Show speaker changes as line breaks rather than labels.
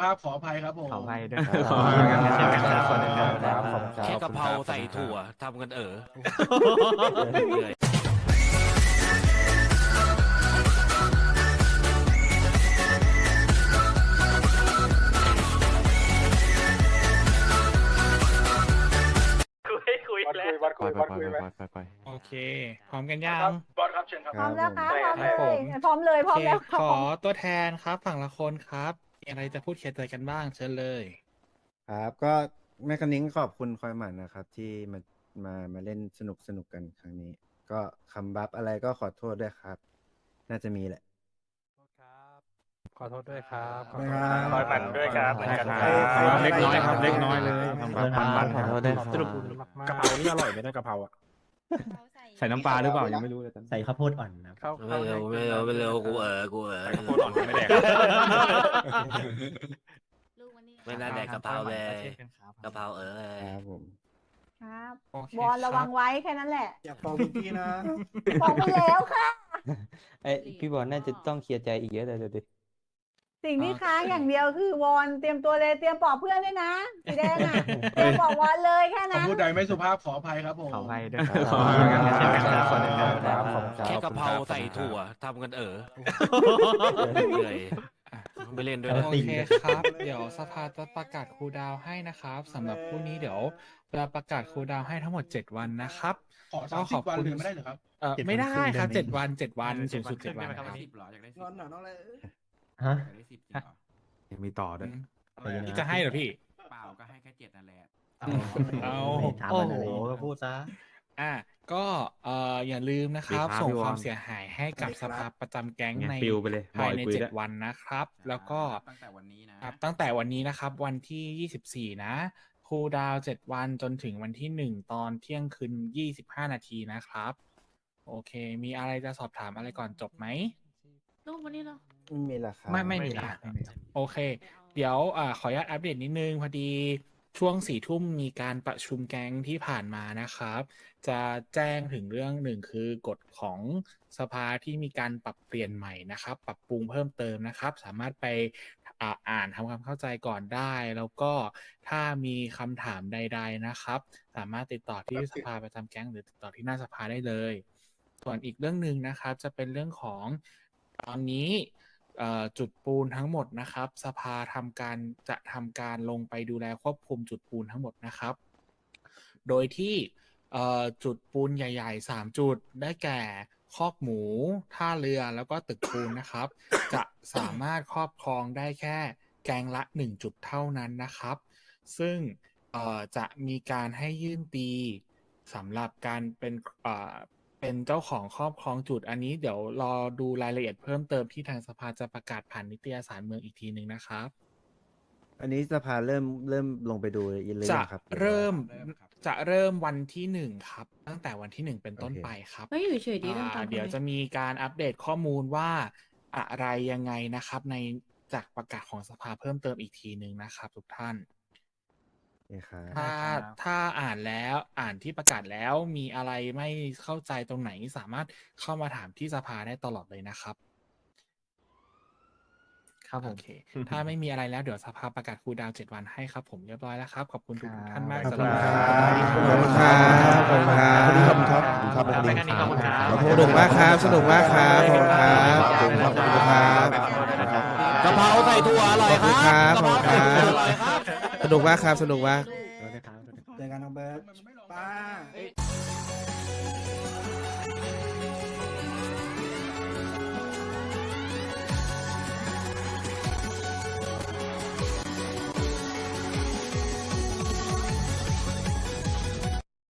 ภาพขออภัยครับผม
ขออภัยด้วยครับขออภัยกันเช่นกันครับคนหนึ่งครับ
แค่กะเพราใส่ถั่วทำกันเหนื่อย
คุยแล้ว
ไป
โอเคพร้อมกันยัง
บอสครับเชิญครับ
พร้อมแล้วครับพร้อม
ครับผม
พร้อมเลยพร้อมแล้ว
โอเคขอตัวแทนครับฝั่งละคนครับมีอะไรจะพูดเคลียร์ใจกันบ้างเชิญเลย
ครับก็แม่คันนิ้งขอบคุณคอยหมันนะครับ ที่มาเล่นสนุกกันครั้งนี้ ก็คำบัฟอะไรก็ขอโทษด้วยครับ น่าจะมีแหละ
ขอโทษด้วยครับ
ขอโทษครับ
คอยมันด้วยครับเหมือนกันครับ
เล็กน้อยครับเล็กน้อยเลย
ขอโทษด้วยครับ
สรุปกะเพรานี่อร่อยไหมนะกะเพราอ่ะ
ใส่น้ำปลาหรือเปล่ายังไม่รู้เลย
ใส่ข้าวโพดอ่อนนะ
เข้า
ไม่เร็วกู
ใส่ข้าวโพดอ่อนไม่แดก
ไม่น่าแดกกะเพราเลยกะเพรา
ครับผม
ครับ
โอเค
บอลระวังไว้แค่นั้นแหละ
อยากฟังพี่นะ
บอกไปแล้วค่ะ
ไอพี่บอลน่าจะต้องเคลียร์ใจอีกเยอะเลยเดี๋ยวดิ
สิ่งที่ค้างอย่างเดียวคือวอนเตรียมตัวเลยเตรียมปลอบเพื่อนด้วยนะสีแดงอ่ะเตรียมปลอบวอนเลยแค่นั้น
พูดใดไม่สุภาพขออภัยครับผม
ขออภัยด้วยครับขออภัยกันเช่นกันครับคนหนึ่งครับ
แค่กะเพราใส่ถั่วทำกันเหนื่อยไม่เล่นด้วย
โอเคครับ เดี๋ยวสภาจะประกาศคูลดาวน์ให้นะครับสำหรับคู่นี้เดี๋ยวเราประกาศคูลดาวน์ให้ทั้งหมด7 วันนะครับ
ขอ30 วันเลยไม่ได้เหรอครับ
ไม่ได้ครับ7 วันสูงสุด7 วันครับ
งอนหน่อยน้องเลย
ฮะ
ยังมีต่อด้วย
พี่จะให้เหรอพี่
เปล่าก็ให้แค่7นั่นแหละ
เอา
ถามมันอะไร
ก็พูดซะก็อย่าลืมนะครับ ส่งความเสียหายให้กับสภาประจำแก๊งในภายใน7 วันนะครับ แล้วก็
ตั้งแต่วันนี้นะ
ตั้งแต่วันนี้นะครับ วันที่24นะคูลดาวน์7 วันจนถึงวันที่1ตอนเที่ยงคืน25 นาทีนะครับ โอเค มีอะไรจะสอบถามอะไรก่อนจบไหม
ลูกวันนี้เหรอ
ไม่มีราคา
ไม่มีละโอเค เดี๋ยวขออนุญาตอัปเดตนิดนึงพอดีช่วง4 ทุ่มมีการประชุมแก๊งที่ผ่านมานะครับ จะแจ้งถึงเรื่องหนึ่งคือกฎของสภาที่มีการปรับเปลี่ยนใหม่นะครับ ปรับปรุงเพิ่มเติมนะครับ สามารถไปอ่านทำความเข้าใจก่อนได้ แล้วก็ถ้ามีคำถามใด ๆนะครับ สามารถติดต่อที่สภาประจำแก๊งหรือติดต่อที่หน้าสภาได้เลย ส่วนอีกเรื่องหนึ่งนะครับจะเป็นเรื่องของตอนนี้จุดปูนทั้งหมดนะครับ สภาจะทำการลงไปดูแลควบคุมจุดปูนทั้งหมดนะครับ โดยที่จุดปูนใหญ่ๆ3 จุดได้แก่คอกหมูท่าเรือแล้วก็ตึกปูนนะครับ จะสามารถครอบครองได้แค่แกงละ1 จุดเท่านั้นนะครับ ซึ่งจะมีการให้ยื่นตีสำหรับการเป็นเจ้าของครอบครองจุดอันนี้เดี๋ยวรอดูรายละเอียดเพิ่มเติมที่ทางสภาจะประกาศผ่านนิตยสารเมืองอีกทีหนึ่งนะครับ
อันนี้สภาเริ่มลงไปดูเลย
จะ
ครับ
เริ่มวันที่1ครับตั้งแต่วันที่1เป็นต้นไปครับ
ไม่อยู่เฉยดีต้องตาม
เดี๋ยวจะมีการอัปเดตข้อมูลว่าอะไรยังไงนะครับในจากประกาศของสภาเพิ่มเติมอีกทีหนึ่งนะครับทุกท่าน
นี่ครับ
ถ้าอ่านที่ประกาศแล้วมีอะไรไม่เข้าใจตรงไหนสามารถเข้ามาถามที่สภาได้ตลอดเลยนะครับ ครับผมโอเค ถ้าไม่มีอะไรแล้วเดี๋ยวสภาประกาศคูลดาวน์7 วันให้ครับผมเรียบร้อยแล้วครับขอบคุณทุกท่านมาก
ขอบ
สำ
คุ
ห
ณ
รับ
ครับขอบคุณครับ
ขอบคุณครับ
สนุกมากครับสนุกมากครับขอบคุณครับขอบคุณครับ
กะเพราใส่ถั่วอร่อยครับ
ขอบคุณครับ
กะเพราใส่ถั่วอร่อยครับ
สนุกมากครับสนุกมาก
ขอโทษนะครับ
เจอกันน้องเบิร์ตป้า